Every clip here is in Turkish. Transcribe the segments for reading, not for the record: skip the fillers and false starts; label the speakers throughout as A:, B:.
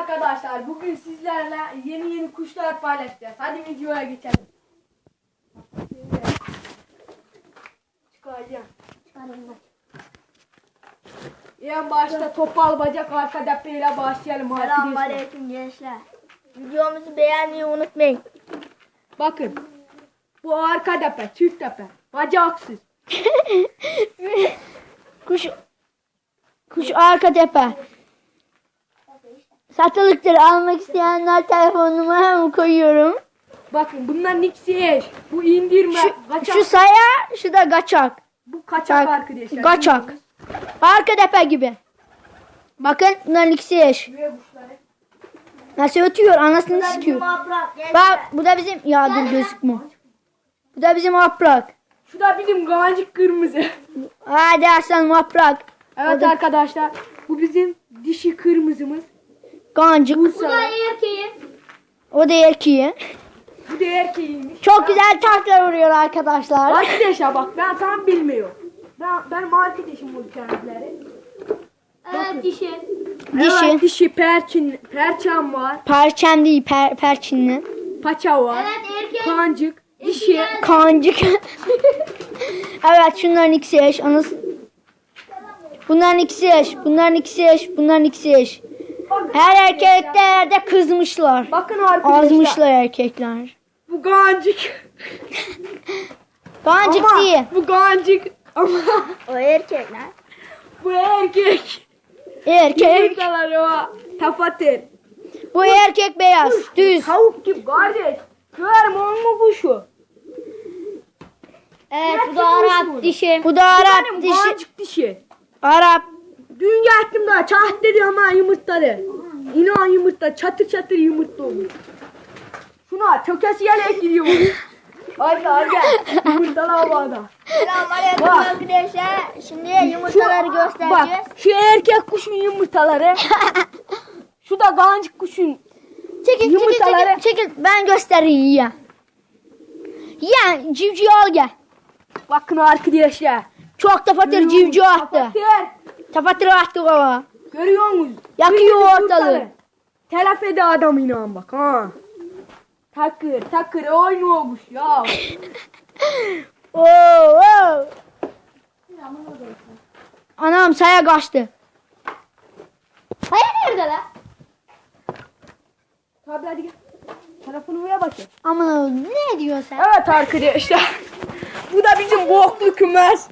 A: arkadaşlar, bugün sizlerle yeni kuşlar paylaşacağız. Hadi videoya geçelim. Çıkaracağım. En başta topal bacak arka depreyle başlayalım arkadaşlar.
B: Selamünaleyküm gençler. Videomuzu beğenmeyi unutmayın.
A: Bakın. Bu arka depe, çift depe. Bacaksız.
C: Kuş arka tepe. Satılıktır, almak isteyenler telefon numaramı koyuyorum.
A: Bakın bunlar niksiyeş. Bu indirme. Kaçak.
C: Şu saya, şu da kaçak.
A: Bu kaçak arkadaşlar.
C: Kaçak. Arka tepe gibi. Bakın bunlar ikisi eş.
A: Buraya kuşları.
C: Nasıl ötüyor, anasını sikiyor.
B: Gençler.
C: Bak bu da bizim, ya dur gözükmüyor. Bu da bizim yaprak.
A: Şu da bizim gancık kırmızı.
C: Hadi aslan yaprak.
A: Evet arkadaşlar. Bu bizim dişi kırmızımız.
C: Gancık.
A: Bu
B: Bu da
A: sarı.
B: erkeğin.
C: O da erkeği.
A: Bu da erkeğiymiş.
C: Çok güzel taklar vuruyor arkadaşlar.
A: Arkadaşlar bak ben tam bilmiyorum. Benim arkadaşım bu kendileri.
B: Evet dişi.
C: Dişi.
A: Evet, dişi perçem var.
C: Perçem değil, perçinli.
A: Paça var.
B: Evet erkek.
A: Kancık. Dişi.
C: Kancık. Evet, şunların ikisi eş. Bunların ikisi eş. Bunların ikisi eş. Bunların ikisi eş.
A: Bakın
C: Her
A: arkadaşlar.
C: erkeklerde kızmışlar.
A: Bakın arkadaşlar.
C: Azmışlar erkekler.
A: Bu gancık.
C: Gancık
A: Ama
C: değil.
A: bu gancık. Ama
B: O erkek lan.
A: bu erkek.
C: Erkek.
A: Yumurtaları var. Tafatır.
C: Bu erkek beyaz. Düz.
A: Tavuk gibi kardeş. Görme onu kuşu.
C: Evet,
A: bu da Arap
C: dişi. Bu da Arap
A: Benim
C: dişi.
A: gancık dişi.
C: Arap.
A: Dün geldim daha çat dedi ama yumurtladı. İnan yumurta çatır çatır yumurta olmuş. Şuna tökesi yelek gidiyor. Hadi yumurtalı havada.
B: Selamünaleyküm
A: Bak.
B: arkadaşlar. Şimdi yumurtaları göstereceğiz.
A: Bak şu erkek kuşun yumurtaları. Şu da gancık kuşun.
C: Çekil,
A: Yumurtaları-
C: çekil. Ben göstereyim ya. Ya civciv al gel.
A: Bakın arkadaşlar.
C: Çok tafatır civciv attı.
A: Kapatır.
C: Tafatır attı baba.
A: Görüyor musunuz?
C: Yakıyor
A: Kırmızı
C: ortalığı.
A: yumurtalı. Telef ede adam inan bak ha. Takır oynuyormuş ya.
C: Oo. Anam saya kaçtı.
B: Hayır nerede lan?
A: Tabi hadi gel. Tarafını buraya bakayım.
C: Aman ne diyorsun sen?
A: Evet arkadaşlar. Bu da bizim boklu kümes.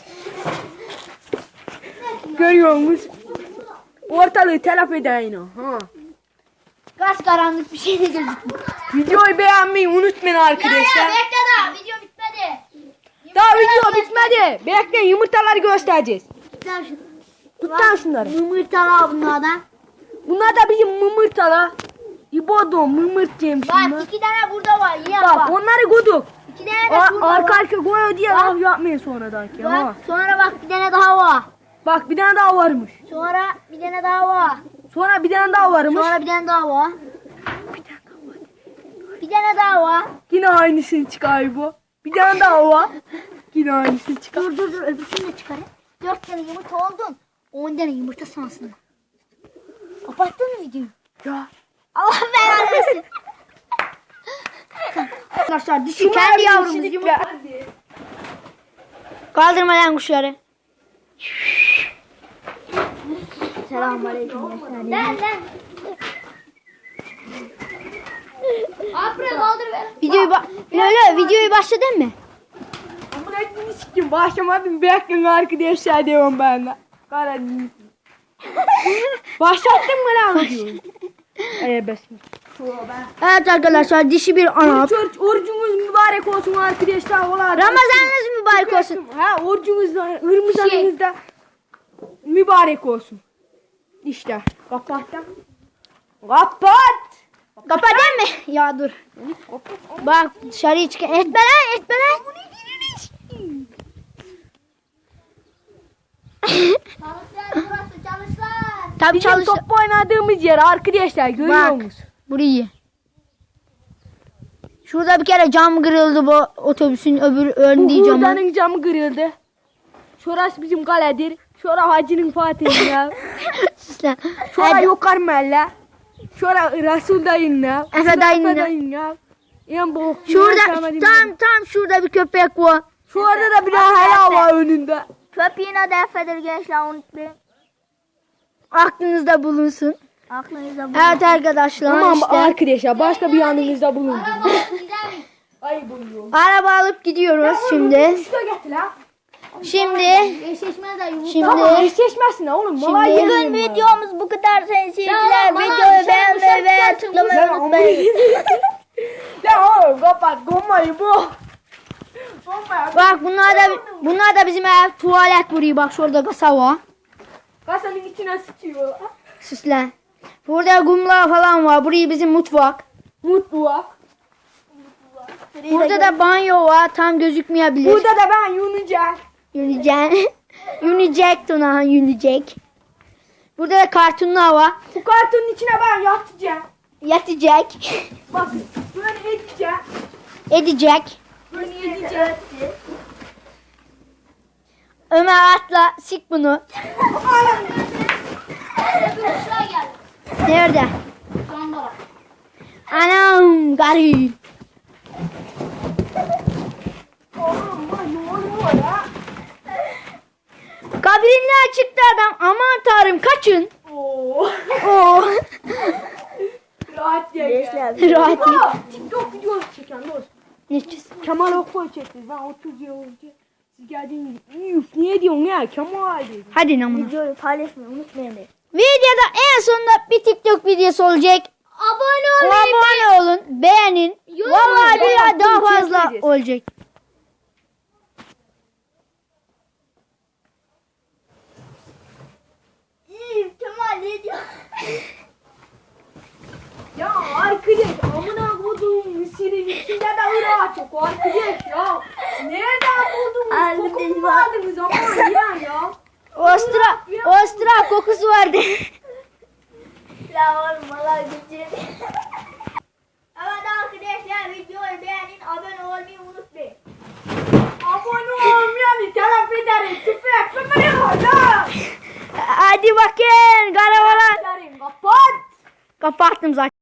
A: Görüyor musunuz? Ortalığı telef eder yine. Ha.
C: Gaz karanlık bir şey de gözükmüyor.
A: Videoyu beğenmeyi unutmayın arkadaşlar.
B: Bekle daha video bitmedi.
A: Daha video bitmedi. Bekleyin yumurtaları göstereceğiz. Tut lan şunları.
C: Yumurtalar bunlardan.
A: Bunlar da bizim mımırtalar. İbodo mımırtayım
B: Bak
A: şimdi.
B: 2 tane burada var. Yiyen
A: Bak
B: bak.
A: onları koyduk.
B: 2 tane de şurada
A: Arka
B: var.
A: arka koyuyor diye laf yapmayın sonradan ki. Ha.
B: Bak sonra bak bir tane daha var.
A: Bak bir tane daha varmış.
B: Sonra bir tane daha var.
A: Sonra bir tane daha varmış.
B: Sonra bir tane daha var. Bir tane daha var.
A: Yine aynısını çıkar bu. Bir tane daha var. Yine aynısını çıkar.
B: Dur öbürsünü de çıkarayım. 4 tane yumurta oldun. 10 tane yumurta sansın. Kapattın mı videoyu?
A: Ya.
B: Allah belanı versin.
C: Arkadaşlar dişi
A: Şunlar
C: kendi
A: bir
C: yavrumuz
A: kişilik
C: yumurta.
A: ya.
C: Kaldırma lan kuşları.
B: Selamünaleyküm. Lan. Apre kaldır ver.
C: Videoyu başladın mı?
A: Amına ettiğini sikim. Başlamadım. Bekleyin arkadaşlar diyorum ben de. Karadeniz. Başlattın mı lan videoyu? Besmele.
C: Evet arkadaşlar, dişi bir Arap.
A: Orucunuz mübarek olsun arkadaşlar.
C: Ramazanınız mübarek olsun.
A: Ha orucunuz Ramazanınız da mübarek olsun. İşte kapattım. Kapat.
C: Kapatayım mı? Ya dur. Bak dışarıya çık. Etme lan.
B: Çalışlar burası çalışlar.
C: Tabii
A: Bizim
C: çalış.
A: top oynadığımız yer arkadaşlar görüyor
C: Bak
A: musunuz?
C: burayı. Şurada bir kere cam kırıldı, bu otobüsün öbür ön
A: Bu
C: diyeceğim.
A: hurdanın camı kırıldı. Şurası bizim kaledir. Şura Hacı'nın Fatih'i ya.
C: Sus lan.
A: Şura
C: Hadi.
A: Yukarı Melle. Şöyle Resul dayınla.
C: Efe dayınla.
A: dayınla. En bu.
C: Şurada tam şurada bir köpek var.
A: Şurada da bir hala var önünde.
B: Köpeğin adı Efe'dir gençler, unutmayın.
C: Aklınızda bulunsun.
B: Aklınıza bu.
C: Evet arkadaşlar
A: Tamam
C: işte.
A: arkadaşlar başka bir yanınızda bulundum. Ay buluyor.
C: Araba alıp gidiyoruz şimdi.
A: Şurada getir lan.
C: Şimdi
B: Eşleşmez de yumurta.
C: Şimdi
A: Tamam eşleşmezsin ha oğlum.
C: Şimdi-
A: Malay
B: Bugün
A: yemiyorum ben.
B: videomuz bu kadar sayın seyirciler.
C: Ya,
B: Videoyu
C: bana
B: beğenmeyi ve tıklamayı
A: Lan
B: unutmayın.
A: Ya oğlum kapat gommayı bu. Gommayı.
C: bak bunlar da bizim ev tuvalet burayı bak şurada kasa var.
A: Kasanın içine sıçıyor.
C: Süsle. Burada kumlar falan var. Burayı bizim mutfak.
A: Mutlu.
C: Burada da banyo var. Tam gözükmeyebilir.
A: Burada da ben Yunuscan.
C: Yunecek. Yunecek Tuna. Yunecek. Burada da kartonlar var.
A: Bu kartonun içine ben yatacağım.
C: Yatacak.
A: Bak böyle edeceğim.
C: Edecek.
A: Böyle edeceğim.
C: Ömer atla. Sik bunu. Nerede? Anam garip.
A: Oğlum lan ne oluyor ya?
C: Kabrinle çıktı adam. Aman tanrım kaçın.
A: Oo.
C: Oo.
A: Rahat gel.
C: Rahat değil.
A: TikTok videosu çeken dost.
C: Ne çiz-
A: Kemal Okkoy çekti. Ben 30 yıl önce siz geldiğiniz üf niye diyorsun ya Kemal dedi.
C: Hadi namına.
B: Videoyu paylaşmayı unutmayın.
C: Videoda en sonunda bir TikTok videosu olacak. Abone olun, beğenin. Vallahi billahi daha fazla olacak.
B: İyi Kemal ne diyor?
A: Ya arkadaş amına koduğum misirin içinde de ırağı çok arkadaş ya. Nereden buldunuz?
B: Arkadaş
A: Kokumu
B: bak.
A: aldınız aman ya.
C: Ostra kokusu vardı.
B: La oğlum valla gideceğim. Evet arkadaşlar videoyu beğenin, abone olmayı unutmayın.
A: Abone olmayanı telef ederim. Tüfek köpeği var ya.
C: Hadi bakın karavala.
A: Kapat.
C: Kapattım zaten.